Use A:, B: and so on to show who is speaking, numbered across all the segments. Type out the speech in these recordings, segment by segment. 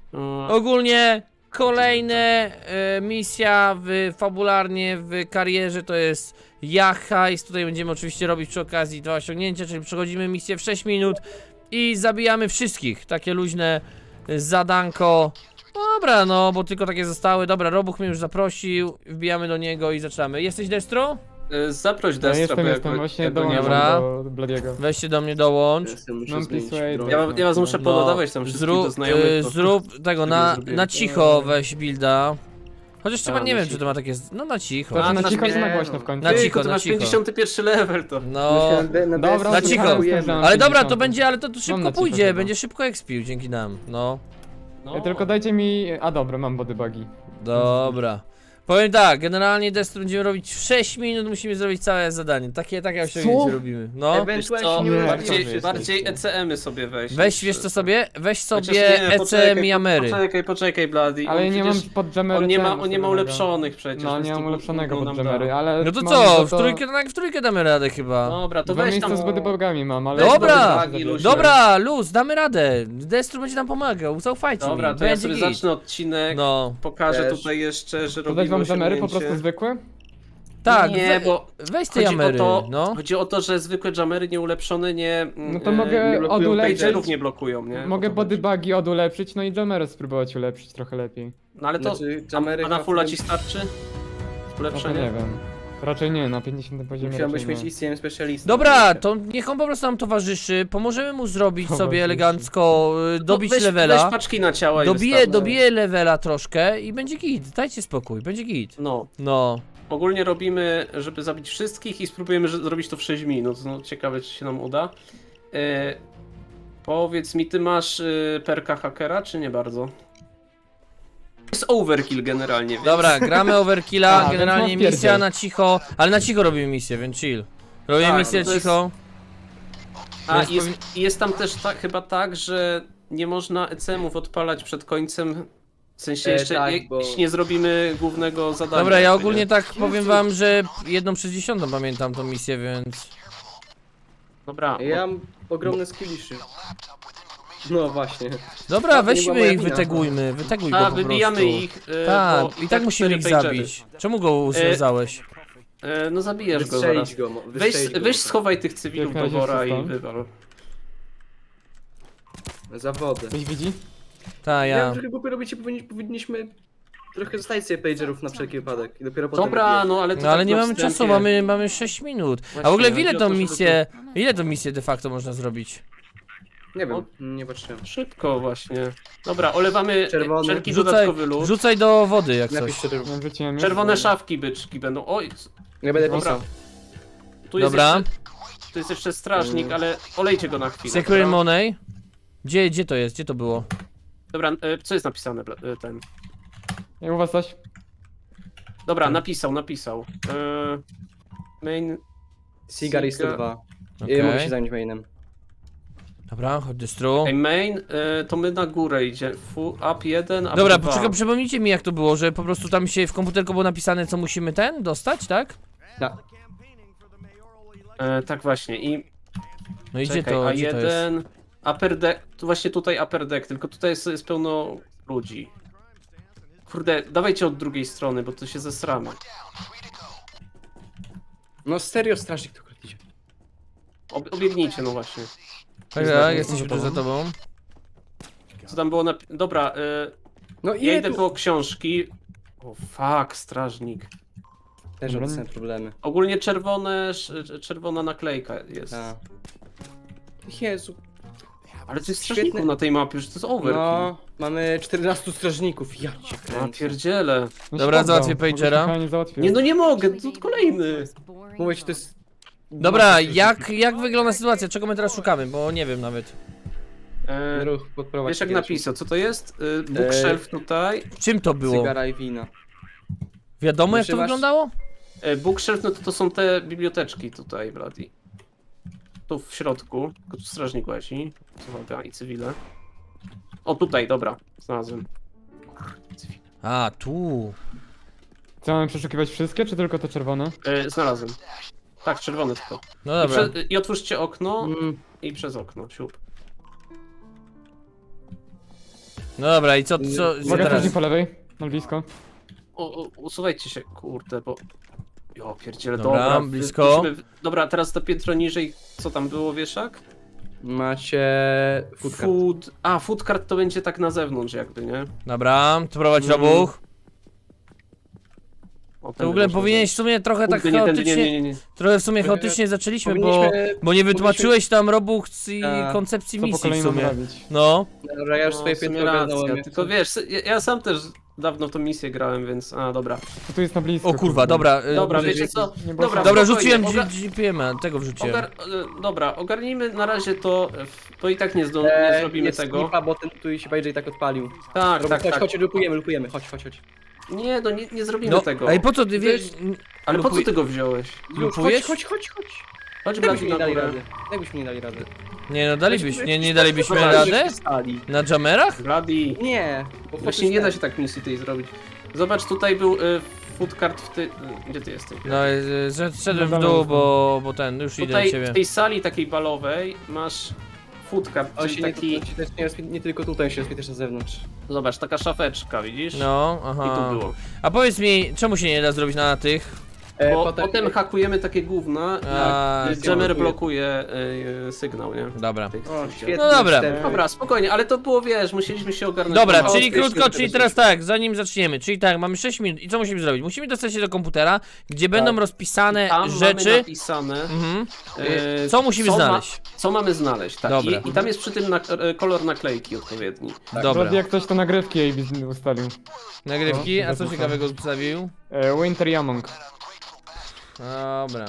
A: Ogólnie kolejne misja fabularnie w karierze to jest Heist. Tutaj będziemy oczywiście robić przy okazji 2 osiągnięcia, czyli przechodzimy misję w 6 minut i zabijamy wszystkich. Takie luźne zadanko. Dobra, no bo tylko takie zostały. Dobra, Robuch mnie już zaprosił, wbijamy do niego i zaczynamy. Jesteś Destro?
B: Zaproś
C: No,
B: Destra,
C: jestem, właśnie dołączam
A: Dobra.
C: do Bladiego.
A: Weźcie do mnie dołącz.
C: Mam Peaceway,
B: Ja was muszę pododawać tam wszystkich do znajomych.
A: Zrób tego na cicho weź builda. Chociaż chyba nie wiem czy to ma takie... No na cicho.
C: To
B: A,
C: na
B: to
C: cicho
B: masz-
C: czy na głośno w końcu?
A: Na cicho,
B: Ty
A: na
B: masz
A: cicho.
B: 51 level to.
A: No...
C: Dobra,
A: na
C: to
A: cicho.
C: sprawdzam
A: Ale dobra,
C: 50.
A: to będzie, ale to
C: Mam
A: szybko
C: na cicho
A: pójdzie,
C: chyba.
A: będzie szybko expił dzięki nam, no.
B: No.
C: Tylko dajcie mi... A dobra, mam bodybugi.
A: Dobra. Powiem tak, generalnie Destro będziemy robić w 6 minut, musimy zrobić całe zadanie. Takie osiągnięcie robimy, no.
B: Wiesz co,
C: nie
B: bardziej ECM-y sobie weź.
A: Weź, wiesz co sobie? Weź
B: Chociaż
A: sobie
B: nie,
A: ECM i Amery.
B: Poczekaj, Bloody.
C: Ale
B: On
C: nie mam
B: przecież-
C: pod jammery
B: On nie ma
C: ustawionego.
B: ulepszonych przecież.
C: No,
B: więc
C: nie
B: to
C: mam ulepszonego
B: gówno
C: pod
B: nam
C: jammery,
B: da.
C: ale...
A: No to
C: mam
A: co,
C: za
A: w trójkę damy radę chyba.
B: Dobra, to
C: Dwa
B: weź
C: miejsca
B: tam...
C: z bodybugami mam, ale...
A: Dobra,
B: bodybagi, luźne.
A: dobra, luz, damy radę. Destro będzie nam pomagał, zaufajcie
B: Dobra,
A: mi,
B: to ja
A: będzie
B: sobie
A: git.
B: zacznę odcinek.
A: No,
B: Pokażę
D: Też.
B: tutaj jeszcze, że
C: To dać
B: robimy
C: wam jammery po
B: osiągnięcie.
C: prostu zwykłe?
A: tak,
B: Nie, bo
A: weź te Amery, no.
B: chodzi o to, że zwykłe jammery nieulepszone nie...
C: No to mogę
B: nie blokują
C: odulepić.
B: pagerów nie blokują, nie?
C: Mogę
B: O to chodzi.
C: bodybugi odulepszyć, no i jammery spróbować ulepszyć trochę lepiej.
B: No ale to...
D: Znaczy, jammery
B: A na
D: chyba
B: fulla
D: w
B: ci
D: tym-
B: starczy?
C: No to
B: Ulepszenie?
C: nie wiem. Raczej nie, na 50 poziomie
D: Musiałbyś
C: raczej
D: mieć
C: nie.
D: ICM specjalistę.
A: Dobra, to niech on po prostu nam towarzyszy, pomożemy mu zrobić sobie
C: Towarzyszy.
A: elegancko, dobić
B: No, weź
A: levela.
B: paczki na ciała i wystarczy.
A: Dobiję levela troszkę i będzie git, dajcie spokój, będzie git.
B: No,
A: No.
B: ogólnie robimy, żeby zabić wszystkich i spróbujemy zrobić to w 6 minut. No, ciekawe, czy się nam uda. Powiedz mi, ty masz perka hakera, czy nie bardzo? Jest overkill generalnie, więc...
A: Dobra, gramy overkilla,
C: A,
A: generalnie
C: więc mam
A: misja
C: pierdziel.
A: na cicho, ale na cicho robimy misję, więc chill. Robimy
B: Tak,
A: misję
B: to jest-
A: cicho.
B: A
A: Więc
B: jest tam też chyba tak, że nie można ECM-ów odpalać przed końcem. W sensie jeszcze
D: tak, bo-
B: jeśli nie zrobimy głównego zadania.
A: Dobra, ja
B: jakby,
A: ogólnie
B: nie?
A: tak powiem wam, że 1/10 pamiętam tą misję, więc...
B: Dobra,
D: Ja mam ogromne skilliszy. No właśnie.
A: Dobra,
D: To nie była
A: weźmy
D: moja
A: ich,
D: wina.
A: wyteguj go po
B: wybijamy
A: prostu.
B: ich.
A: Tak,
B: bo
A: i tak musimy ich
B: 4 pagery.
A: zabić. Czemu go związałeś?
B: No zabijesz go zaraz.
D: Wystrzelić go.
B: Weź schowaj tych cywilów
C: Jak
B: do
C: na razie
B: wora i
C: zostań.
B: wywal.
D: Za wodę.
C: Ktoś widzi?
A: Ta,
D: Ja
A: ja.
D: wiem, że głupio robicie, powinniśmy trochę zostawić sobie pagerów na wszelki wypadek i dopiero potem...
B: Dobra,
D: wbijać.
B: no ale to
A: No ale
B: tak
A: nie
B: na
A: mamy
B: wstępie.
A: czasu, mamy 6 minut. A w
B: Właśnie,
A: ogóle
B: chodzi
A: ile
B: o
A: tą
B: to, żeby
A: misję, ile tą misję de facto można zrobić?
D: Nie wiem, nie patrzyłem.
B: Szybko właśnie. Dobra, olewamy
D: Czerwony.
B: wszelki
A: Rzucaj,
B: dodatkowy lód.
A: rzucaj do wody jak coś.
D: Napiszcie to.
C: Nie wrzuciłem już.
B: Czerwone szafki byczki będą. Oj,
D: Nie będę
B: Dobra.
D: pisał.
B: tu jest
A: Dobra.
B: jeszcze... Tu jest jeszcze strażnik, ale olejcie go na chwilę.
A: Secret
B: dobra?
A: Money? Gdzie to jest? Gdzie to było?
B: Dobra, co jest napisane ten?
C: Jak u was coś?
B: Dobra, napisał. Main...
D: Cigar i 102.
A: Okej.
D: Mogę się zająć mainem.
A: Dobra, chodź dystru.
B: Ej, main, to my na górę idzie. Up 1, up
A: Dobra,
B: 2.
A: poczekaj, przypomnijcie mi jak to było, że po prostu tam się w komputerku było napisane co musimy dostać, tak?
D: Tak.
B: Tak właśnie i...
A: No i
B: Czekaj,
A: gdzie to jest?
B: A1... Upper deck, tu właśnie tutaj upper deck, tylko tutaj jest pełno ludzi. Kurde, dawajcie od drugiej strony, bo to się zesramy.
D: No serio strażnik to idzie.
B: Obiegnijcie, no właśnie.
A: Tak, jesteśmy tu za tobą.
B: Co tam było Dobra,
D: No
B: ja
D: i
B: idę po książki. O fuck, strażnik.
D: Też
C: Dobra.
D: obecne problemy.
B: Ogólnie czerwona naklejka jest.
D: A. Jezu.
B: Ale to jest
D: Świetne.
B: strażników na tej mapie, że to jest overkill.
D: No, mamy 14 strażników. Ja cię
B: A
D: kręcę.
B: pierdziele.
C: No
A: Dobra,
C: się
A: załatwię
C: poddał,
A: pagera.
C: bo to fajnie załatwiłem.
B: Nie no nie mogę, to kolejny.
D: Mówię ci, to jest...
A: Dobra, jak wygląda sytuacja? Czego my teraz szukamy? Bo nie wiem nawet.
D: Ruch podprowadź.
B: Wiesz jak napisał, co to jest? Bookshelf tutaj.
A: Czym to było?
D: Cygara i wina.
A: Wiadomo jak to
D: Wytrzymasz?
A: wyglądało?
B: Bookshelf, no to są te biblioteczki tutaj, Brady. Tu w środku, tylko tu strażnik łazi. Uwaga, i cywile. O tutaj, dobra, znalazłem.
A: A, tu.
C: Co, mamy przeszukiwać wszystkie, czy tylko te czerwone?
B: Znalazłem. Tak, czerwony tylko.
A: No dobra.
B: I otwórzcie okno
D: Mm,
B: i przez okno, siup.
A: No dobra, i co
C: Uwaga,
A: teraz?
C: strażnik po lewej. Na blisko.
B: Usuwajcie się, kurde, bo... Jo, pierdziele,
A: Dobra,
B: dobra.
A: blisko.
B: Dobra, teraz to piętro niżej, co tam było, wieszak?
D: Macie...
B: Food card to będzie tak na zewnątrz jakby, nie?
A: Dobra, to prowadź robuch.
B: O,
A: To w ogóle powinieneś w sumie trochę tak
B: nie, tędy,
A: chaotycznie...
B: nie.
A: Trochę w sumie chaotycznie zaczęliśmy,
D: Powinniśmy-
A: bo nie wytłumaczyłeś tam robuch i
D: Tak.
A: koncepcji
C: Co po
A: misji w
C: kolei mamy
A: sumie.
C: robić?
A: No.
D: Dobra, ja już swoje
B: w sumie
D: piętro ogarnąłem.
B: racja,
D: jak
B: tylko
D: chcę.
B: wiesz, ja sam też dawno w tą misję grałem, więc... dobra.
C: To tu jest na blisko.
A: O kurwa,
C: kurde.
A: dobra.
B: Dobra,
A: może-
B: wiecie co?
C: nie było
B: Dobra,
C: sensu.
A: Dobra,
B: spokojnie,
A: rzuciłem GPM-a, tego wrzuciłem.
B: Dobra, ogarnijmy na razie to, bo i tak nie zrobimy
D: jest
B: tego.
D: Skipa, bo ten tu się BJ tak odpalił.
B: Tak,
D: Dobra,
B: tak, tak.
D: chodź, lupujemy, chodź.
B: Nie, no nie zrobimy
A: No,
B: tego.
A: ej, po co ty wiesz?
B: Ale po co ty go wziąłeś?
D: Już,
A: Lupujesz?
D: chodź.
B: Chodź
D: Jakbyśmy
B: Blady
D: nie
B: na
D: dali
B: górę.
D: rady. Jakbyśmy nie dali rady.
A: Nie no, nie dalibyśmy
B: Dobra,
A: radę?
D: Stali.
A: Na jamerach?
B: Blady.
D: Nie, bo
B: Właśnie nie da się tak misji tej zrobić. Zobacz, tutaj był food card w ty... Gdzie ty jesteś?
A: No, szedłem w dół, bo ten, już idę do
B: Tutaj
A: ciebie.
B: w tej sali takiej balowej masz food card,
D: On
B: czyli
D: się
B: taki...
D: nie tylko tutaj, się rozpie też na zewnątrz.
B: Zobacz, taka szafeczka, widzisz?
A: No,
B: I
A: aha.
B: tu było.
A: A powiedz mi, czemu się nie da zrobić na tych?
B: Bo potem hakujemy takie gówna,
A: A,
B: jak jammer blokuje sygnał, nie?
A: Dobra.
B: Tych-
D: O, świetnie.
A: No dobra.
D: wstęp.
B: Dobra, spokojnie, ale to było, wiesz, musieliśmy się ogarnąć.
A: Dobra,
B: No,
A: czyli
B: jeszcze
A: krótko,
B: tego
A: czyli
B: się-
A: teraz tak, zanim zaczniemy, czyli tak, mamy 6 minut i co musimy zrobić? Musimy dostać się do komputera, gdzie będą rozpisane
B: Tam mamy
A: rzeczy.
B: napisane,
A: Mhm. Co musimy
B: co
A: znaleźć?
B: Co mamy znaleźć, tak.
A: Dobra.
B: I tam jest przy tym kolor naklejki odpowiedni.
A: Dobra.
C: Brady, jak ktoś to nagrywki AB ustalił.
A: Nagrywki, a co
C: zapraszam.
A: ciekawego zostawił?
C: Winter Yamong.
A: Dobra.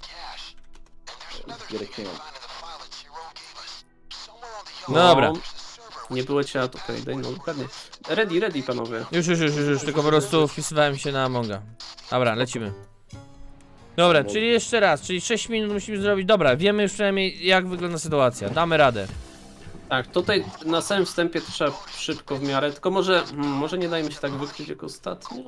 A: Dobra.
B: Nie było cię, to okej, no dokładnie. Ready panowie.
A: Już, tylko po prostu wpisywałem się na Amonga. Dobra, lecimy. Dobra, czyli jeszcze raz, czyli 6 minut musimy zrobić. Dobra, wiemy już przynajmniej jak wygląda sytuacja. Damy radę.
B: Tak, tutaj na samym wstępie trzeba szybko w miarę, tylko może nie dajmy się tak wykryć jak ostatnio.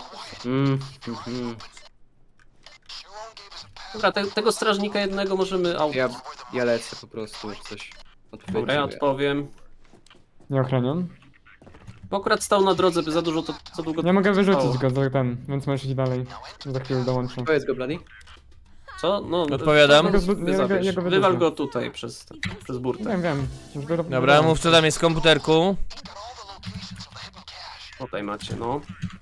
B: Dobra, tego strażnika jednego możemy
D: Ja lecę po prostu, już coś
B: Dobra, ja odpowiem.
C: Nie ochroniam.
B: Bo akurat stał na drodze, by za dużo to za długo
C: Nie mogę
B: trwało.
C: wyrzucić go za ten, więc możesz iść dalej. Za chwilę dołączę.
D: Powiedz go, Bloody.
B: Co? No,
A: Odpowiadam.
C: Ja go
B: Wywal
C: wyrzucę.
B: go tutaj przez burtę.
C: Wiem. Już go
A: Dobra, mów co tam jest w komputerku.
B: Tutaj macie, no.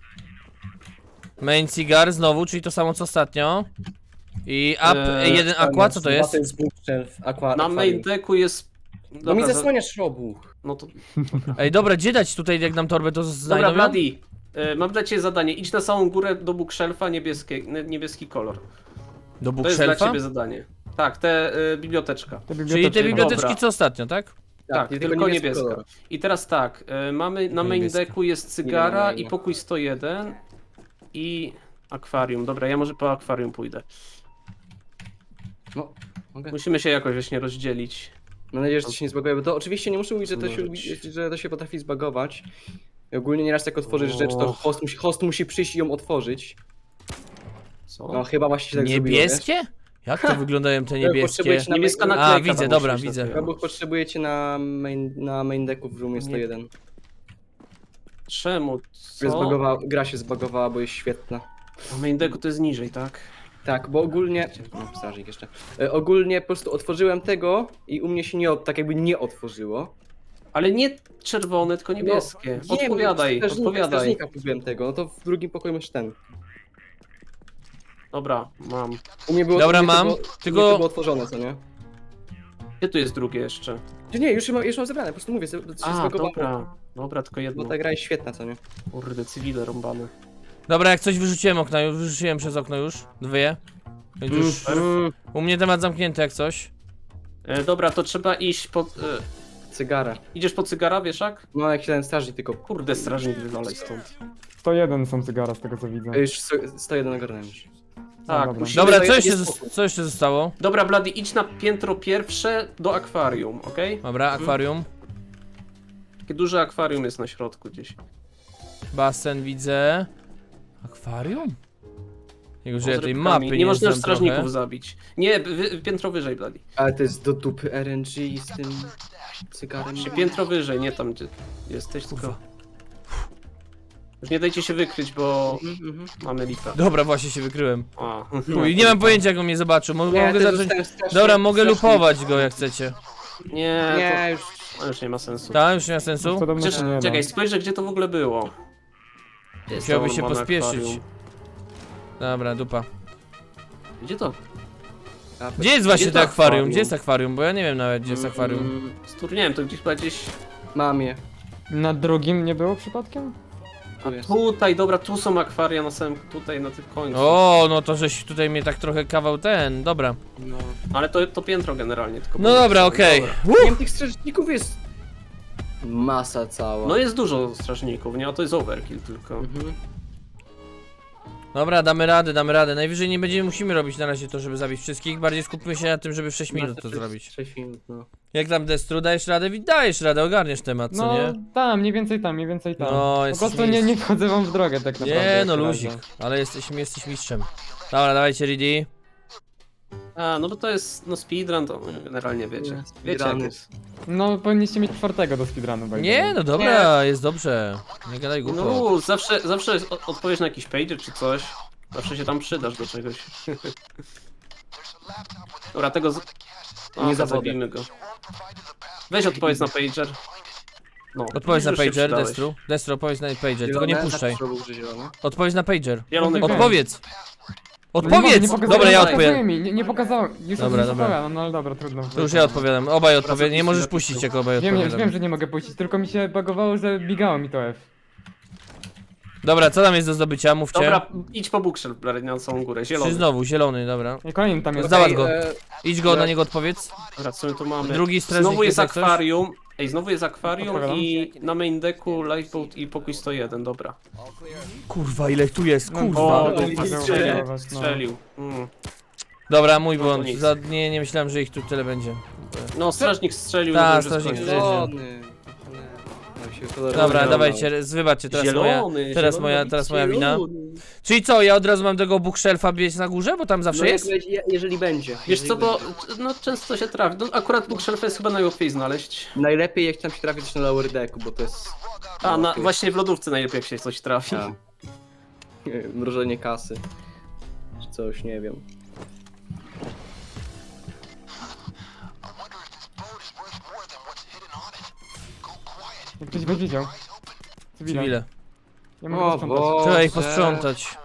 A: Main cigar znowu, czyli to samo co ostatnio. I jeden aqua, co to jest?
D: To jest bookshelf, aqua.
B: Na main decku jest...
D: No mi zasłaniasz robuch.
B: No to...
A: Ej, dobra, gdzie dać tutaj, jak nam torbę to
B: Dobra,
A: znajdą? ją?
B: Bloody. Mam dla ciebie zadanie. Idź na samą górę do bookshelfa, niebieski kolor.
A: Do
B: To jest dla
A: bookshelfa?
B: ciebie zadanie. Tak, biblioteczka.
A: Czyli te biblioteczki
B: Dobra.
A: co ostatnio, tak?
B: Tak,
D: i
B: tylko niebieska.
D: kolor.
B: I teraz tak, mamy na main
A: Niebieska.
B: decku jest cygara
D: Nie
B: i
D: ma.
B: pokój 101 i akwarium. Dobra, ja może po akwarium pójdę.
D: No, mogę.
B: Musimy się jakoś właśnie rozdzielić.
D: Mam nadzieję, że to się nie zbaguje, bo to oczywiście nie muszę mówić,
B: Może
D: że to się potrafi zbagować. I ogólnie nieraz jak otworzysz rzecz, to
B: Och.
D: host musi przyjść i ją otworzyć.
B: Co?
D: No chyba właśnie się tak zrobiło,
A: Niebieskie? Jak to wyglądają te
D: wiesz?
A: niebieskie?
D: Potrzebujecie na
B: Niebieska
D: main...
B: naklejka.
A: A, widzę,
B: tam
A: dobra,
B: musi być
A: widzę.
B: na tym.
D: Robuch potrzebujecie na main decku w roomie 101.
B: Czemu?
D: Gra się zbagowała, bo jest świetna.
B: Na main decku to jest niżej, tak?
D: Tak, bo ogólnie... No, strażnik jeszcze. Ogólnie po prostu otworzyłem tego i u mnie się tak jakby nie otworzyło.
B: Ale nie czerwone, tylko niebieskie.
D: No,
B: Odpowiadaj, odpowiadaj.
D: Strażnika próbowałem tego, no to w drugim pokoju masz ten.
B: Dobra, mam.
D: U mnie było
A: Dobra,
D: u mnie to
A: mam,
D: było,
A: tylko-
D: u mnie to było otworzone, co nie?
B: Gdzie tu jest drugie jeszcze?
D: Nie, już mam zebrane, po prostu mówię, że się
B: A,
D: zbagowało.
B: dobra. Dobra, tylko jedno.
D: Bo ta gra jest świetna, co nie?
B: Kurde, cywile rąbane.
A: Dobra, jak coś wyrzuciłem okno, wyrzuciłem przez okno już. Dwie. Więc już u mnie temat zamknięty jak coś.
B: Dobra, to trzeba iść po...
D: Cygara.
B: idziesz po cygara, wieszak?
D: No jak się ten strażnik tylko...
B: Kurde, strażnik wywalaj stąd.
C: 101 są cygara z tego co widzę.
D: Już 101 ogarnąłem już.
B: Tak,
C: dobra.
B: musimy
A: Dobra,
B: zająć-
A: co jeszcze zostało?
B: Dobra, Blady, idź na piętro pierwsze do akwarium, okej?
A: Dobra, akwarium.
B: Takie duże akwarium jest na środku gdzieś.
A: Basen widzę. Akwarium? Jego, że ja tej
B: Z
A: mapy
B: rybkami.
A: nie
B: Nie można już
A: znam
B: strażników
A: trochę.
B: zabić. Nie, piętro wyżej, Blady.
D: Ale to jest do dupy RNG z tym cygarem.
B: Piętro wyżej, nie tam gdzie jesteś, tylko... Już nie dajcie się wykryć, bo
D: Mhm.
B: mamy lipę.
A: Dobra, właśnie się wykryłem.
B: A.
A: Chuj, nie mam pojęcia, jak on mnie zobaczył. Mogę
D: też
A: zacząć...
D: zostałem strasznie-
A: Dobra, mogę
D: strasznie-
A: lupować go, jak chcecie.
B: Nie,
D: Nie, już.
B: to już nie ma sensu.
A: Tak, już nie ma sensu?
C: Podobno
B: Chociaż,
C: się nie da.
B: czekaj, spojrzę, gdzie to w ogóle było. Gdzie jest
A: Musiałby
B: to
A: się
B: normalne
A: pospieszyć.
B: akwarium?
A: Dobra, dupa.
B: Gdzie to?
A: Gdzie jest właśnie
B: Gdzie
A: to
B: to
A: akwarium?
B: akwarium?
A: Gdzie jest akwarium? Bo ja nie wiem nawet, gdzie jest akwarium.
B: Nie wiem, to gdzieś chyba gdzieś...
D: Mam je.
C: Na drugim nie było przypadkiem?
B: A
D: jest.
B: tutaj, dobra, tu są akwaria na samym, tutaj na tym końcu.
A: O, no to żeś tutaj mnie tak trochę kawał ten, dobra.
D: No.
B: Ale to piętro generalnie, tylko...
A: No dobra, okej.
B: Dobra.
D: Nie wiem, tych strażników jest masa cała.
B: No jest dużo strażników, nie? A to jest overkill tylko.
D: Mhm.
A: Dobra, damy radę. Najwyżej nie będziemy, musimy robić na razie to, żeby zabić wszystkich. Bardziej skupmy się na tym, żeby w 6 minut to zrobić.
D: 6 minut, no.
A: Jak tam Destru, dajesz radę? Dajesz radę, ogarniesz temat, co
C: No
A: nie?
C: tam, mniej więcej tam, mniej więcej tam.
A: No,
C: Po
A: jesteś
C: prostu nie wchodzę wam w drogę tak naprawdę.
A: Nie,
C: jak
A: no
C: na
A: luzik,
C: razie.
A: ale jesteś mistrzem. Dobra, dawajcie ready.
B: A, no bo to jest, no speedrun, to generalnie wiecie.
D: Nie,
B: Wiecie jak
D: speedruny.
B: jest.
C: No powinniście mieć 4 do speedrunu. by the
A: Nie,
C: way.
A: no dobra, jest dobrze. Nie gadaj głupot.
B: No, zawsze jest odpowiedź na jakiś pager czy coś. Zawsze się tam przydasz do czegoś. Dobra, tego
D: Nie
B: nie
D: zawodzę.
B: zabijmy go. Weź odpowiedz na pager. No,
A: Odpowiedz na
B: już się
A: pager,
B: przydałeś.
A: Destru. Destru, odpowiedz na pager, tylko nie
D: Zielone?
A: puszczaj.
D: Zawsze był, że zielone.
A: Odpowiedz na pager.
B: Zielony
C: No,
B: kolor.
A: Odpowiedz!
C: No nie mogę,
A: Odpowiedz!
C: nie pokazałem,
A: Dobra, ja
C: nie pokazuje
A: odpowiem.
C: mi, nie pokazałem. Już
A: Dobra,
C: nie
A: dobra.
C: odpowiadam, no ale dobra, trudno.
A: To już ja odpowiadam. Obaj odpowiedzą. Nie
B: zapisz,
A: możesz
B: zapisz.
A: puścić, jak obaj
C: Wiem,
A: odpowiadam.
C: że nie mogę puścić, tylko mi się bagowało, że bigało mi to F.
A: Dobra, co tam jest do zdobycia? Mówcie.
B: Dobra, idź po bookshelf na całą górę,
A: Czy
B: zielony.
A: znowu, zielony, dobra.
C: I kolejny tam jest.
A: Załatw
D: Ej,
A: go.
D: e,
A: Idź go, na niego odpowiedz.
B: Dobra, co my tu mamy?
A: Drugi strażnik
B: Znowu jest
A: jak coś?
B: akwarium. Ej, znowu jest akwarium
C: Odpowiadam.
B: i na main decku lifeboat i pokój 101, dobra.
A: Kurwa, ile tu jest,
C: No,
A: kurwa.
B: O,
C: to
B: tu
C: nie
B: strzelił,
C: zauważyć, no.
B: strzelił.
A: Dobra, mój
B: No to
A: błąd.
B: nic.
A: Nie myślałem, że ich tu tyle będzie.
B: No, strażnik strzelił,
A: Ta,
B: no to już jest
A: strażnik
B: koniec.
A: strzelił.
D: Zielony. Nam się kolor
A: Dobra,
D: zielony.
A: dawajcie, wybaczcie, teraz
B: Zielony,
A: teraz
B: zielony,
A: teraz moja wina.
B: zielony.
A: Czyli co, ja od razu mam tego bookshelfa biec na górze, bo tam zawsze
D: No,
A: jest?
D: jeżeli będzie.
B: Wiesz
D: jeżeli
B: co, bo
D: będzie.
B: no, często się trafi. No, akurat bookshelf jest chyba najłatwiej znaleźć.
D: Najlepiej jak tam się trafi coś na lower decku, bo to jest...
B: A,
D: no, to
B: właśnie w lodówce najlepiej jak się coś trafi.
D: jest- Mrożenie kasy. Czy coś, nie wiem.
C: Jak ktoś by widział.
A: Cywile.
C: Ja mogę
D: O
C: posprzątać.
D: Boże.
A: Trzeba ich posprzątać.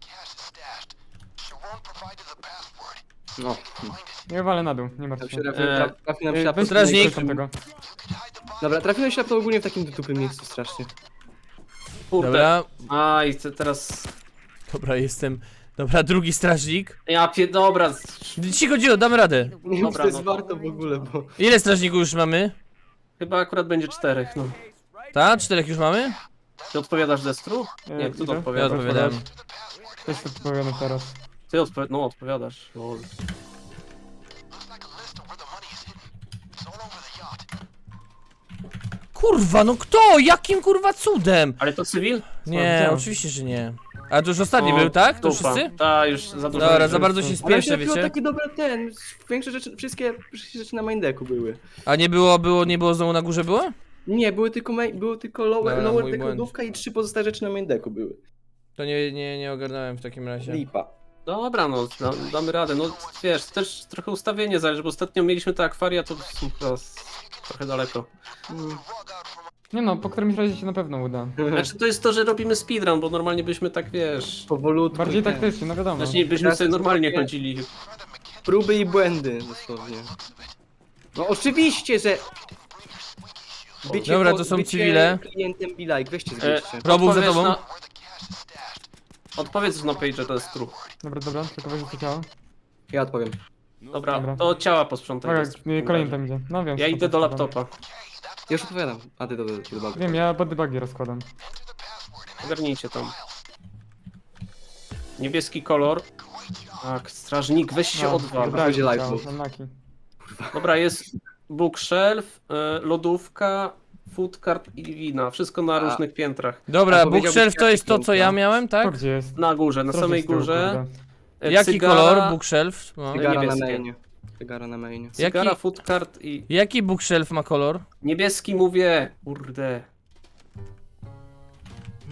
D: No,
C: Nie walę na dół, nie martw
D: tam
C: się.
D: się trafi nam
C: Ej,
D: ślap.
C: weź
A: Strażnik.
C: ktoś tam tego.
D: Dobra, trafiłem ślap to ogólnie w takim tupym miejscu strasznie.
B: Kurde.
A: Dobra,
B: A, i teraz...
A: dobra, jestem. Dobra, drugi strażnik.
B: Dobra.
A: Cicho, damy radę.
D: Nie wiem, czy
B: Dobra,
D: to jest
B: no.
D: warto w ogóle, bo...
A: Ile strażników już mamy?
B: Chyba akurat będzie 4, no.
A: Tak? 4 już mamy?
B: Ty odpowiadasz Destru? Nie, kto to
C: idę.
A: Ja
B: odpowiada?
A: odpowiadam.
C: Też odpowiadam teraz.
B: Ty odpowiadasz. Lol.
A: Kurwa, no kto? Jakim kurwa cudem?
B: Ale to cywil?
A: Nie,
C: widziałem.
A: oczywiście, że nie. A to już ostatni
B: O,
A: był, tak? To
B: dupa.
A: wszyscy?
B: Ta, już za dużo.
A: Dobra,
B: rzeczy.
A: za bardzo się
D: Ale
A: spieszę,
D: się
A: wiecie?
D: taki dobry ten, większe rzeczy, wszystkie rzeczy na main decku były.
A: A nie było znowu na górze było?
D: Nie, były tylko lower,
A: Dobra,
D: lower
A: mój
D: deck
A: błąd.
D: lodówka i 3 pozostałe rzeczy na main decku były.
A: To nie ogarnąłem w takim razie.
D: Lipa.
B: Dobra, no, damy radę. No, wiesz, też trochę ustawienie zależy, bo ostatnio mieliśmy te akwaria, to chyba trochę daleko.
C: Nie no, po którymś razie się na pewno uda.
B: Znaczy, to jest to, że robimy speedrun, bo normalnie byśmy tak, wiesz...
D: Powolutku.
C: Bardziej
D: i ten.
C: taktycznie, no wiadomo.
B: Znaczy, byśmy
D: Teraz
B: sobie
D: jest
B: normalnie
D: takie-
B: chodzili.
D: Próby i błędy, dosłownie. No oczywiście, że...
A: Dobra, to są
D: bycie
A: cywile.
D: klientem Be Like, weźcie zbierzcie.
A: Robuch za
B: Odpowiedz
A: tobą.
B: Odpowiedz na page, to jest true.
C: Dobra, tylko weź to ciało.
D: Ja odpowiem.
B: Dobra,
C: Dobra.
B: to ciała posprzątaj.
C: Dobra,
B: Destru.
C: kolejny tam idzie. No wiem.
B: Ja
C: co
B: idę
C: tam
B: do
C: składam.
B: laptopa.
D: Ja już odpowiadam. A ty do bagu.
C: Wiem, ja bodybugi rozkładam.
B: Ogarnijcie tam. Niebieski kolor. Tak, strażnik, weź się
C: No,
B: odwal.
C: dobra,
D: Będzie
C: ciało,
D: live move.
C: unlucky.
B: Dobra, jest bookshelf, lodówka, food cart i wina. Wszystko na
D: A-
B: różnych piętrach.
A: Dobra,
D: A powiedziałbyś,
A: bookshelf to
D: jaki
A: jest to, co ja
D: piękna?
A: miałem,
C: To
A: tak?
C: gdzie jest?
B: Na górze, na
C: Trochę
B: samej
C: z tyłu,
B: górze.
C: kurde.
A: Jaki
B: Cygara,
A: kolor bookshelf? No.
D: Cygara na
B: niebieskie.
D: mainie. Cygara na mainie.
B: Cygara,
A: Jaki-
B: food cart i...
A: Jaki bookshelf ma kolor?
B: Niebieski mówię, kurde.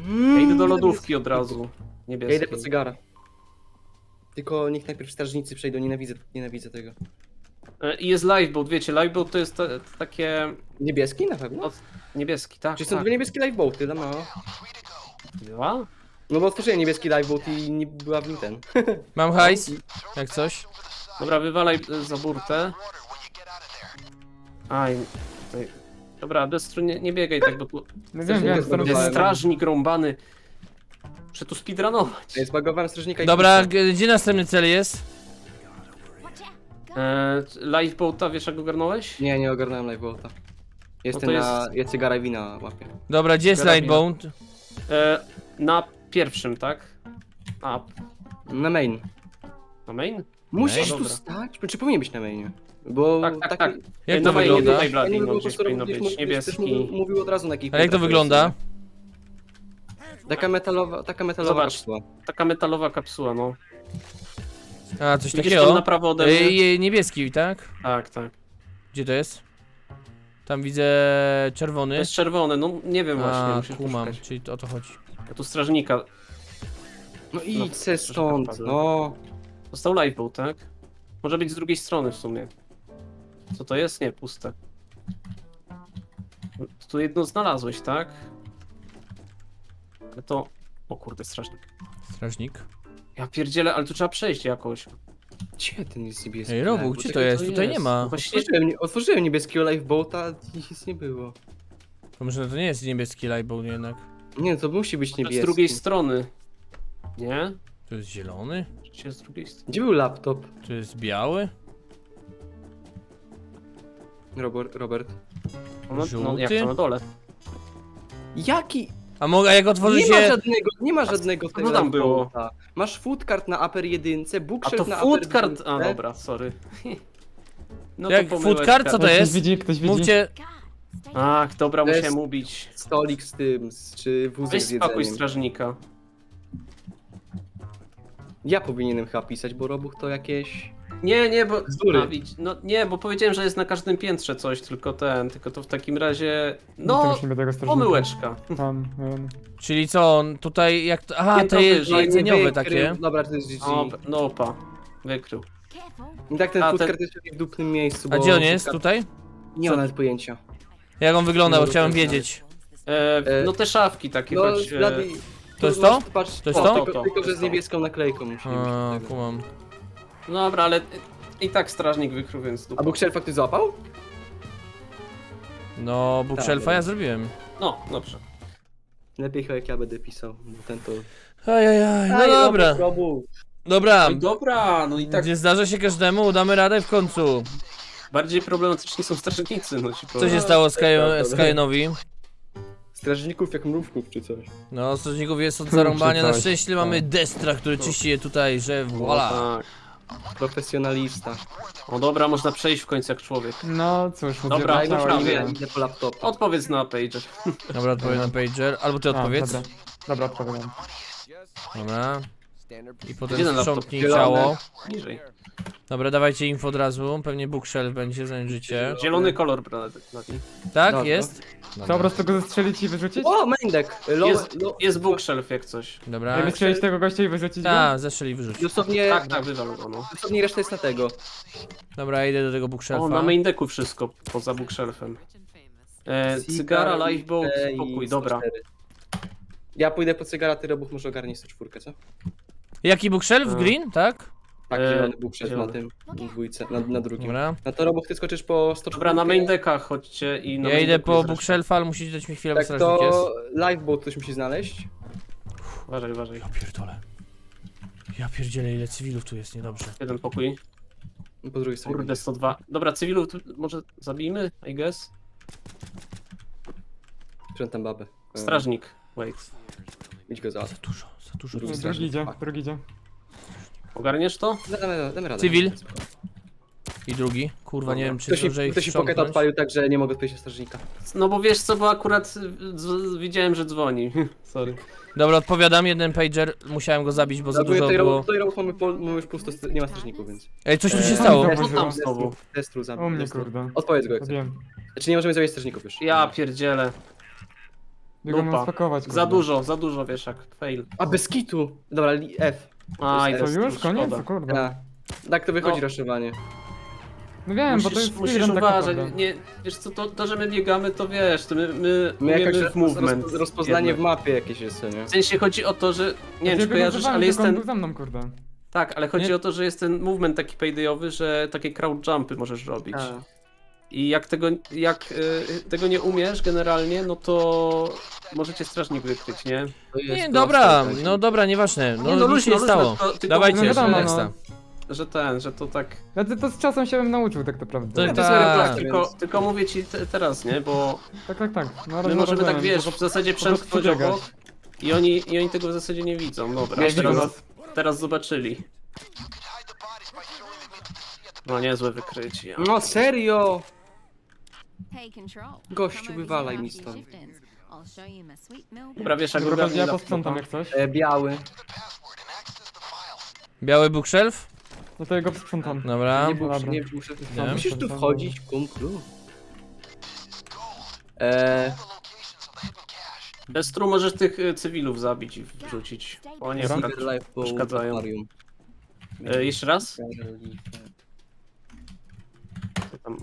B: Ja idę do lodówki od razu.
D: Ja
B: Niebieskiej.
D: idę po cygara. Tylko niech najpierw strażnicy przejdą, nienawidzę tego.
B: I jest lifeboat, wiecie, lifeboat to jest takie...
D: Niebieski na pewno?
B: Od... Niebieski, tak,
D: Czy są
B: tak.
D: dwie niebieskie lifeboaty, no.
B: Dwa?
D: No bo otworzyłem niebieski lifeboat i nie była w nim ten.
A: Mam hajs, jak coś.
B: Dobra, wywalaj za burtę. Aj, tutaj. Dobra, Destru, nie biegaj tak, bo tu
C: No
D: Coś
C: wiem,
D: nie
C: wiem,
D: zbudowałem.
B: jest strażnik rąbany. Muszę tu speedrunować.
D: Ja zbagowałem strażnika i...
A: Dobra, gdzie następny cel jest?
B: Lifeboata, wiesz jak go ogarnąłeś?
D: Nie ogarnąłem lifeboata. Jestem
B: No to
D: na... Ja cygara i wina łapię.
A: Dobra, gdzie jest
B: Karabin.
A: Lightbound?
B: Na pierwszym, tak? A,
D: Na main.
B: na main?
D: Musisz
B: Dobra.
D: tu stać? Czy powinien być na mainie? Bo
B: Tak, tak, tak.
A: Jak
B: Na
A: to
B: mainie
A: wygląda?
B: tutaj,
D: Ja
B: Bloody,
D: nie
B: no
D: wiem, po
B: gdzieś
D: prostu
B: powinno
D: gdzieś
B: być. Niebieski.
D: mówił od razu na jakich
A: A jak to
D: punktach
A: wygląda?
D: jest. Taka metalowa
B: Zobacz.
D: kapsuła.
B: Taka metalowa kapsuła, no.
A: A, coś
B: Widzisz tam
A: takiego?
B: na prawo ode mnie?
A: Niebieski, tak?
B: Tak, tak.
A: Gdzie to jest? Tam widzę
B: To
A: czerwony.
B: jest czerwone, no nie wiem właśnie,
A: A,
B: musisz
A: kumam,
B: poszukać.
A: czyli to o to chodzi.
B: Ja tu strażnika.
D: No idź se
B: troszkę
D: stąd,
B: wpadłem.
D: no.
B: Został lifeboat, tak? Może być z drugiej strony w sumie. Co to jest? Nie, puste. Tu jedno znalazłeś, tak? Ale to... O kurde, strażnik.
A: Strażnik.
B: Ja pierdzielę, ale tu trzeba przejść jakoś.
D: Gdzie ten jest niebieski?
A: Ej, Robuch,
D: lifeboat?
A: gdzie to
D: Takie
A: jest? Tutaj nie ma.
B: No właśnie,
D: Otworzyłem niebieskiego lifeboata i nic nie było.
A: To może to nie jest niebieski Lightbound jednak.
D: Nie, to musi być
B: z
D: niebieski.
B: drugiej strony. Nie?
A: To jest zielony?
B: Czy z drugiej strony?
D: Gdzie był laptop,
A: To jest biały?
D: Robert?
B: No,
A: Żółty?
B: jak to na dole?
D: Jaki?
A: A jak otworzy
D: Nie ma
A: się...
D: żadnego, nie ma żadnego
B: co
D: tego
B: tam było?
D: lifeboata. Masz foodcard na upper 1,
B: A
D: bookshelf
B: to
D: na
B: food
D: upper
B: card... A
D: jedynce.
B: dobra, sorry. No
A: Jak
B: pomyłeczka.
A: food card? Co to
C: Ktoś
A: jest?
C: widzi, ktoś widzi.
A: Mówcie...
B: Ach, dobra,
D: To jest-
B: musiałem ubić.
D: Stolik z tym, czy wózek
B: Weź
D: z
B: spakuj
D: jedzeniem.
B: strażnika.
D: Ja powinienem chyba pisać, bo Robuch to jakieś...
B: Nie, bo...
D: Bzdury.
B: No nie, bo powiedziałem, że jest na każdym piętrze coś, tylko to w takim razie...
C: To
B: No,
C: musimy tego strażnika.
B: pomyłeczka.
C: Tam,
A: Czyli co, on tutaj jak... Aha,
B: Piętro
A: te
B: wyżej.
A: jedzeniowe
D: Wykrył.
A: takie.
D: Dobra, to jest GG.
B: No, opa. Wykrył.
D: I tak ten
B: A,
D: foodcard jest w dupnym miejscu,
A: A
D: bo...
A: gdzie on jest?
D: foodcard-
A: Tutaj?
D: Nie mam nawet pojęcia.
A: Jak on wygląda, bo
D: No,
A: chciałem
D: dobra.
A: wiedzieć.
B: No te szafki takie,
D: No,
B: choć...
D: Blady...
A: To jest to?
D: Patrz,
A: To jest to?
D: Tylko, że z
B: To.
D: niebieską naklejką musimy
A: A,
D: mieć tego.
A: kumam.
B: No dobra, ale i tak strażnik wykrył, więc dupa.
D: A bookshelfa ktoś złapał?
A: No, bookshelfa
D: Tak,
A: ja zrobiłem.
B: No, dobrze.
D: Lepiej chyba jak ja będę pisał, bo ten to...
A: Ajajaj, no dobra. Dobra,
B: Dobra, no i tak
A: nie zdarza się każdemu, udamy radę w końcu.
B: bardziej problematyczni są strażnicy, no ci
A: Co
B: powiem.
A: się stało
D: prawda.
A: Skyenowi?
D: Strażników jak mrówków czy coś.
A: No, strażników jest od zarąbania, na
C: Coś.
A: szczęście mamy Destra, który czyści je tutaj, że
B: O,
A: voila.
B: tak.
D: Profesjonalista.
B: O dobra, można przejść w końcu jak człowiek.
C: No cóż, mówię,
B: Dobra,
C: że
B: no
C: działa,
B: prawie.
C: ale-
D: Idę po laptopa.
B: Odpowiedz na pager.
A: Dobra, odpowiem na pager, albo ty
C: A,
A: odpowiedz.
C: Dobra, odpowiadam.
A: Dobra. I potem
B: Gdzie ten laptop?
A: sprzątnij
D: Zielony.
A: ciało.
B: Niżej.
A: Dobra, dawajcie info od razu, pewnie bookshelf będzie, zajrzycie.
B: Zielony kolor, Blady.
A: Tak,
D: Dobra.
A: jest?
C: Co, po prostu go zestrzelić i wyrzucić?
D: O, Mendek!
B: Jest bookshelf jak coś.
A: Dobra.
C: Jak wystrzelić tego gościa i wyrzucić go?
A: Tak, zeszli wyrzuć.
D: Dosłownie,
B: Tak, wywal go, no.
D: dosłownie reszta jest na tego.
A: Dobra, idę do tego
B: O,
A: bookshelfa.
B: na main decku wszystko, poza bookshelfem. Cygara, lifeboat,
D: i
B: pokój, dobra.
D: 104. Ja pójdę po cygara, ty Robuch może ogarnie 104, co?
A: Jaki bookshelf?
B: A.
A: Green, tak?
D: Tak,
B: E,
D: zielony bookshelf
B: zielony.
D: na tym, na dwójce, na drugim.
A: Dobra.
D: No to Robuch, ty skoczysz po 104.
B: Dobra, na main deckach chodźcie i na
A: Ja
B: main
A: idę
B: decku
A: po
B: jest reszta.
A: bookshelfa, ale musicie dać mi chwilę, bo
D: Tak,
A: strażnik jest.
D: to lifeboat ktoś musi znaleźć.
B: Uważaj, uważaj.
A: Ja pierdolę. Ja pierdzielę, ile cywilów tu jest, niedobrze.
B: Jeden pokój.
D: Po drugiej stronie.
B: Kurde, 102. Dobra, cywilów tu może zabijmy, I guess.
D: Sprzątam babę.
B: Strażnik. Wait.
D: Idź go załatw.
A: Za dużo.
D: Drugi
C: Drugi idzie, drugi idzie.
B: Ogarniesz to?
D: Damy radę.
A: Cywil. I drugi. Kurwa, nie wiem, czy zdążę ich
D: Ktoś mi poketa
A: sprzątnąć.
D: odpalił tak, że nie mogę odpowiedzieć na strażnika.
B: No bo wiesz co, bo akurat widziałem, że dzwoni. Sorry.
A: Dobra, odpowiadam, jeden pager, musiałem go zabić, bo za dużo było.
D: Tutaj Robuch mamy już pusto, nie ma strażników, więc...
A: Ej, coś tu się
B: Eee,
A: stało.
B: Co tam znowu?
D: Destru zabił.
C: U mnie,
D: Destru.
C: kurde.
D: Odpowiedz go jak chcesz.
C: Wiem.
D: Znaczy nie możemy zabić strażników już.
B: Ja pierdzielę.
C: Biegam
B: Dupa.
C: nas spakować,
B: Za dużo wieszak, fail.
D: A bez kitu! Dobra, F.
B: Aj,
D: To
C: Co,
B: jest
C: już? Koniec?
B: szkoda.
C: O kurde.
D: A. Tak to wychodzi
B: No.
D: raszowanie.
C: No wiem, bo to jest
B: Musisz
C: speedrun tak
B: uważać,
C: naprawdę.
B: nie, wiesz co, to, że my biegamy, to wiesz, to my
D: My
B: umiemy
D: jakoś
B: w movement.
D: rozpoznanie
B: jednak.
D: w mapie jakieś jest, co nie?
B: W sensie chodzi o to, że, nie wiem
C: Ja
B: czy kojarzysz,
C: biegłem
B: ale jest
C: tylko on
B: ten,
C: był za mną, kurde.
B: tak, ale chodzi
A: Nie.
B: o to, że jest ten movement taki paydayowy, że takie crowd jumpy możesz robić.
D: A.
B: I jak tego nie umiesz generalnie, no to możecie strażnik wykryć, nie?
D: To jest
A: Nie,
D: proste,
A: dobra,
D: tak.
A: no dobra, nieważne. No,
B: Nie,
A: nic
B: luźno,
A: się nie
B: luźno,
A: stało.
B: tylko
A: Dawajcie,
B: mówię,
C: wiadomo,
A: nexta.
B: że to tak...
C: Ja to z czasem się bym nauczył tak naprawdę.
A: To-
B: To
A: tak.
B: jest
D: więc-
B: tylko mówię ci teraz, nie? Bo
C: Tak. No,
B: my możemy tak, wiesz,
C: bo
B: w zasadzie
C: po prostu
B: przemknąć
C: przebiegać.
B: obok i oni tego w zasadzie nie widzą. Dobra,
C: Nie widzą nas.
B: teraz zobaczyli. No niezłe wykrycie.
D: No serio!
E: Gościu, wywalaj mi stąd.
B: Dobra, wiesz, jak
C: Dobra,
B: ogarnij
C: ja
B: laptopa.
C: posprzątam jak coś.
D: Biały.
A: Biały bookshelf?
C: No to ja go posprzątam.
A: Dobra.
D: Nie, był,
C: dobra.
D: nie muszę.
A: Nie.
D: Musisz tu wchodzić, kumplu.
B: Bez tru możesz tych cywilów zabić i wrzucić. O nie,
C: Dobra.
B: tak przeszkadzają. Jeszcze raz? Co tam?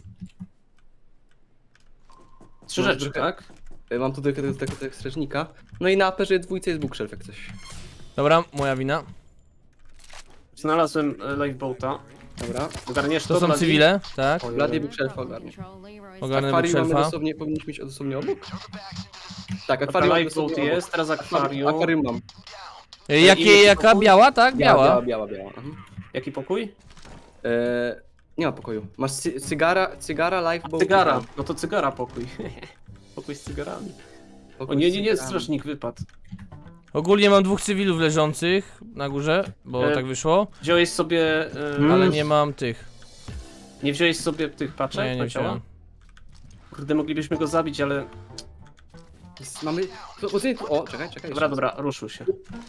B: 3
D: No,
B: rzeczy,
D: trochę-
B: tak?
D: Mam tu tego strażnika. No i na aperze dwójce jest bookshelf jak coś.
A: Dobra, moja wina.
B: Znalazłem lifeboata.
D: Dobra.
B: Ogarniesz
A: To są
B: Blady?
A: cywile, tak?
B: Oj,
D: Blady
B: oj.
D: bookshelf ogarnie.
A: Ogarnę
D: Akwarium mamy
A: bookshelfa.
D: dosłownie, powinniśmy mieć osobnie obok? Tak,
B: Dobra,
D: akwarium mamy
B: lifeboat
D: dosłownie
B: jest, teraz akwarium.
D: Akwarium mam.
A: Jaka?
B: pokój?
A: Biała, tak? Biała.
D: Biała.
B: Jaki pokój?
D: Nie ma pokoju. Masz cygara, lifeboat.
B: Cygara. No to cygara pokój. Pokój z cygarami. O
D: Pokój
B: nie,
D: z
B: nie,
D: cygarami.
B: strażnik wypadł.
A: Ogólnie mam 2 cywilów leżących na górze, bo
B: E,
A: tak wyszło,
B: Wziąłeś sobie...
A: ale nie mam tych.
B: Nie wziąłeś sobie tych
A: No,
B: paczek
A: ja
B: na
A: nie
B: ciała?
A: wziąłem.
B: Kurde, moglibyśmy go zabić, ale...
D: Mamy... O, czekaj.
B: Dobra, ruszył się.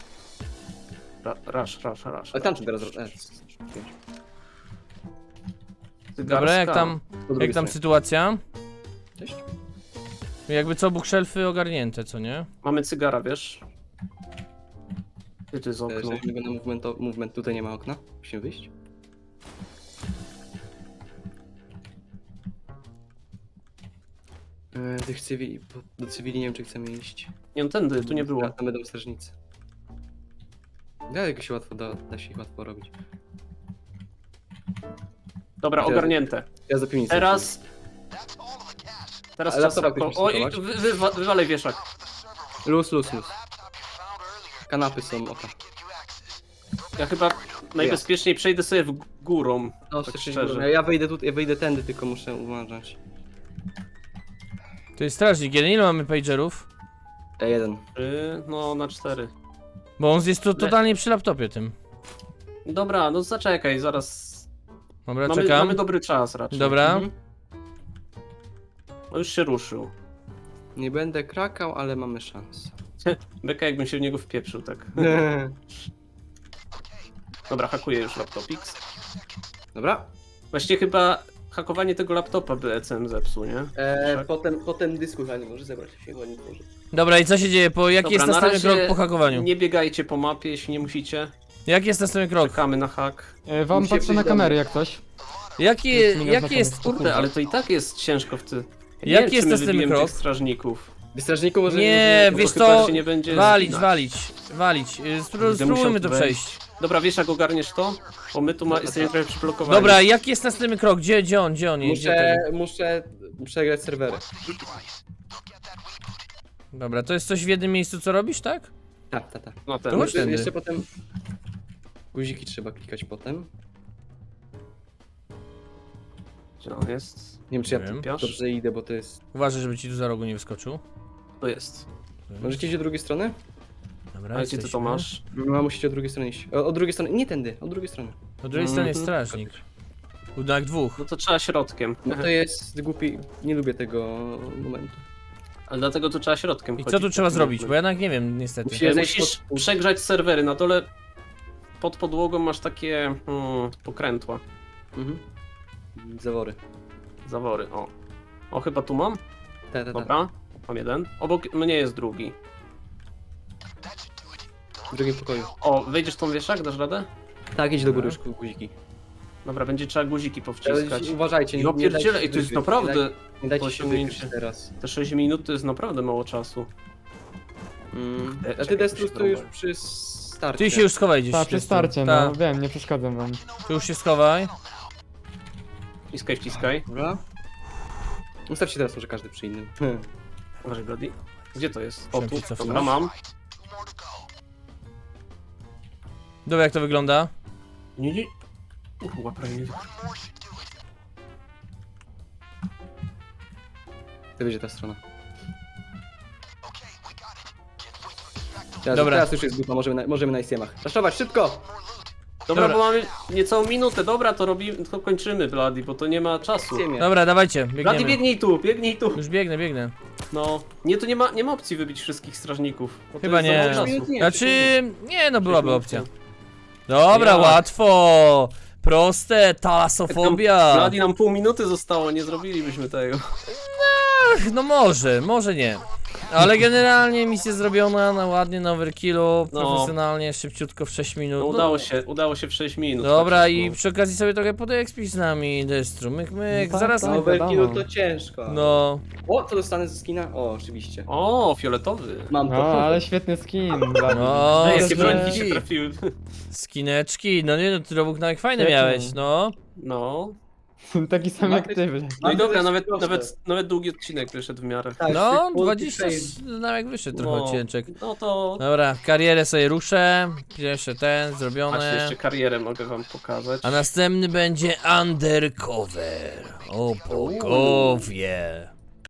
B: Rasz.
D: Ale tam czy teraz...
A: Dobra, jak tam
D: Sytuacja?
A: sytuacja?
D: Cześć.
A: Jakby co, bookshelfy ogarnięte, co nie?
B: Mamy cygara, wiesz? Gdzie to jest okno?
D: Żeśmy go na movement, tutaj nie ma okna. Musimy wyjść. Tych cywili, do cywili nie wiem czy chcemy iść.
B: Nie, no tędy, tu nie było.
D: Tam będą strażnicy. Da się łatwo, da się ich łatwo robić.
B: Dobra,
D: Teraz-
B: ogarnięte.
D: Ja za piwnicę.
B: Teraz
D: Ale
B: czas
D: laptopa
B: na...
D: ktoś
B: Oj,
D: musi
B: wywalej wieszak.
D: Luz. Kanapy są, oka.
B: Ja chyba najbezpieczniej przejdę sobie w górą.
D: No,
B: tak
D: szczerze.
B: szczerze.
D: Ja wyjdę tu, ja wyjdę tędy, tylko muszę uważać.
A: To jest strażnik jeden, ile mamy pagerów?
D: Jeden.
B: No, na 4.
A: Bo on jest tu totalnie przy laptopie tym.
B: Dobra, no zaczekaj, zaraz.
A: Dobra,
B: Mamy
A: czekam.
B: dobry czas raczej.
A: Dobra.
D: Mhm.
B: No już się ruszył.
D: Nie będę krakał, ale mamy szansę.
B: Beka jakbym się w niego wpieprzył, tak. Dobra, hakuję już laptopix.
D: Dobra.
B: Właściwie chyba hakowanie tego laptopa by ECM zepsuł, nie? Tak.
D: Potem dysku nie może zebrać się go nie tworzy.
A: Dobra, i co się dzieje? Jaki
B: Dobra,
A: jest
B: na
A: następny
B: razie
A: krok po hakowaniu?
B: Nie biegajcie po mapie, jeśli nie musicie.
A: Jaki jest następny krok?
B: Czekamy na hak.
C: Wam
D: Musi
C: patrzę
D: być
C: na
D: dobry.
C: kamery jak coś.
A: Jaki jest...
B: Kurde, ale to i tak jest ciężko w ty. Ja nie
A: Jaki
B: wiem, czy
A: jest
B: my
A: następny
B: wybijemy
A: krok?
B: tych strażników.
D: Strażniku może
A: Nie,
B: Bo
A: wiesz
B: chyba
A: co?
B: się nie będzie
A: Walić.
B: zginać. Będę musiał
A: Spróbujmy
B: tu
A: to
B: wejść.
A: przejść.
B: Dobra, wiesz jak ogarniesz to? Bo my tu jesteśmy trochę przyblokowani.
A: Dobra, jaki jest następny krok? Gdzie on jest?
D: muszę przegrać serwery.
A: Dobra, to jest coś w jednym miejscu, co robisz, tak?
D: Tak.
B: No ten.
A: To chodź tędy.
D: Jeszcze potem... Guziki trzeba klikać potem.
B: Gdzie on jest?
D: Nie wiem czy ja
A: Nie wiem.
D: tu dobrze idę, bo to jest...
A: Uważaj, żeby ci tu za rogu nie wyskoczył.
B: To jest.
D: Możecie iść od drugiej strony?
A: Dobra,
B: A gdzie ty to
A: jesteśmy.
B: masz?
D: No musicie od drugiej strony iść. Od drugiej strony, nie tędy, od drugiej strony.
A: Po drugiej stronie jest
B: Mhm.
A: strażnik. Budynek dwóch.
B: No to trzeba środkiem.
D: No to jest głupi, nie lubię tego momentu.
B: Ale dlatego tu trzeba środkiem
A: I
B: chodzić.
A: co tu trzeba zrobić? Bo ja jednak nie wiem, niestety.
D: Musi-
B: Musisz przegrzać serwery. Na dole pod podłogą masz takie pokrętła.
D: Mhm. Zawory.
B: Zawory, o. O, chyba tu mam?
D: Tak.
B: Dobra. Mam jeden. Obok mnie jest drugi.
D: W drugim pokoju.
B: O, wejdziesz tą wieszak, dasz radę?
D: Tak, idź do góry już guziki.
B: Dobra, będzie trzeba guziki powciskać.
D: Uważajcie,
B: Ja
D: nie dajcie
B: pierdzielę,
D: się
B: i to jest
D: wykryć,
B: naprawdę...
D: Nie dajcie się
B: osiągnięcie.
D: wykryć teraz.
B: Te 6 minut to jest naprawdę mało czasu. A
D: A ty
B: czekaj,
D: Destrus
B: to
D: to
B: się
D: już
B: trąbę.
D: przy starcie.
A: Ty się już schowaj gdzieś.
C: Tak, przy
A: Krystian.
C: starcie,
A: Ta,
C: no wiem, nie przeszkadzam wam.
A: ty już się schowaj.
B: Wciskaj, wciskaj.
D: Dobra. Ustawcie teraz może każdy przy innym.
B: Uważaj, Brody. Gdzie to jest? O,
A: Chciałem
B: tu.
A: ci cofnąć.
B: Dobra, mam.
A: Dobra, jak to wygląda?
B: Nie. Prawie nie.
D: To będzie ta strona. Teraz,
A: Dobra.
D: teraz już jest grupa, możemy na ICM-ach. Raszować, szybko!
B: Dobra,
A: Dobra.
B: bo mamy niecałą minutę. Dobra, to robimy, to kończymy, Bloody, bo to nie ma czasu.
D: ICM-ie.
A: Dobra, dawajcie,
B: Bloody,
A: biegniemy.
B: biegnij tu, biegnij tu.
A: Już biegnę.
B: No. Nie, tu nie ma opcji wybić wszystkich strażników. bo to
A: Chyba
B: jest za
A: nie.
B: mało czasu.
D: Nie,
A: Znaczy, nie no, byłaby opcja. Dobra,
B: Jak?
A: łatwo. Proste, talasofobia.
B: Bloody, nam pół minuty zostało, nie zrobilibyśmy tego.
A: Ach, no może nie. Ale generalnie misja zrobiona na ładnie, na overkillu,
B: No.
A: profesjonalnie, szybciutko w 6 minut.
B: No,
A: No,
B: udało się w 6 minut.
A: dobra,
B: tak
A: i
B: szybko.
A: przy okazji sobie trochę podeekspić z nami, Destru, myk,
C: No tak,
A: zaraz...
C: tak.
D: No, overkillu
C: wiadomo.
D: to ciężko.
A: No,
D: O, co dostanę ze skina? O, oczywiście.
B: O, fioletowy.
D: Mam to.
C: No, ale świetny skin.
A: No,
B: Ej,
A: to
B: jakie
A: że-
B: brońki się trafiły.
A: skineczki, no nie no, ty robóg nawet fajne
C: Świetnie.
A: miałeś, no.
B: No.
C: Taki sam jak ty.
B: No i
D: Ale to
B: dobra,
D: jest proste.
B: nawet długi odcinek wyszedł w miarę.
D: Tak,
A: No,
D: tych
A: 20
D: multi-save.
A: nawet wyszedł trochę odcieczek.
B: No to...
A: Dobra, karierę sobie ruszę, pierwszy ten,
B: Macie
A: zrobione.
B: jeszcze karierę, mogę wam pokazać.
A: A następny będzie undercover. O bogowie.